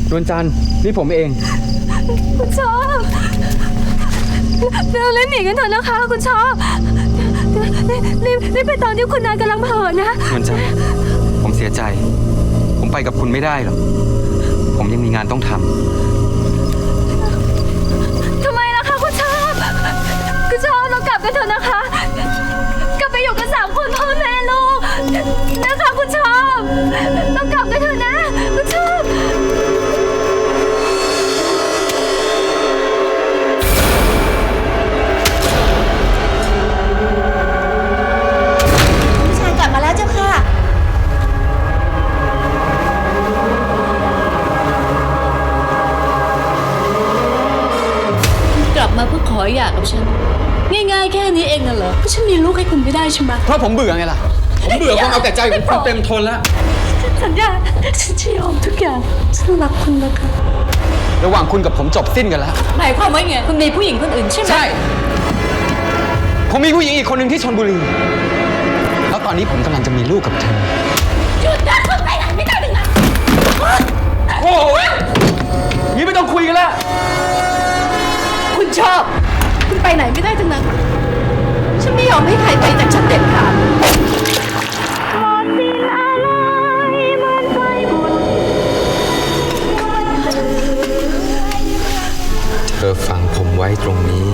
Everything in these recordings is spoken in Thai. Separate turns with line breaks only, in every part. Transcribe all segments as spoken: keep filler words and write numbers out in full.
นวลจันทร์นี่ผมเอง
คุณชอบเราเล่นหนีกันเถอะนะคะคุณชอบรีบรีบไปตอนที่คุณนายกำลังเผลอนะ
นวลจันทร์ผมเสียใจผมไปกับคุณไม่ได้หรอกผมยังมีงานต้องทำ
ทำไมล่ะคะคุณชอบคุณชอบเรากลับกันเถอะนะคะกลับไปอยู่กันสามคนพ่อแม่ลูกนะคะคุณชอบเรากลับกันเถอะนะคุณชอบ
พี่ชายกลับมาแล้วเจ้าค่ะ
กลับมาเพื่อขอหย่ากับฉันง่ายๆแค่นี้เองน่ะเหรอก็ฉันมีลูกให้คุณไม่ได้ใช่ไหม
เพราะผมเบื่อไงล่ะผมเบื่อความเอาแต่ใจของคุณเต็มทนแล้ว
สัญญาฉันจะยอมทุกอย่างฉันรักคุณนะคะ
ระหว่างคุณกับผมจบสิ้นกันแล้ว
หมายความว่าไงคุณมีผู้หญิงคนอื่นใช่ไหม
ใช่ผมมีผู้หญิงอีกคนหนึ่งที่ชลบุรีแล้วตอนนี้ผมกำลังจะมีลูกกับเธอ
หยุดนะคุณไปไหนไม่ได้ถึงนะ
โอ้ยนี่ไม่ต้องคุยกันแล้ว
คุณชอบคุณไปไหนไม่ได้ทั้งนั้นฉันไม่ยอมให้ใครไปจากฉันเด็ดขาด
เธอฝังผมไว้ตรงนี้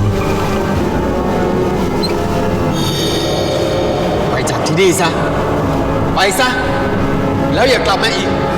ไปจากที่นี่ซะไปซะแล้วอย่ากลับมาอีก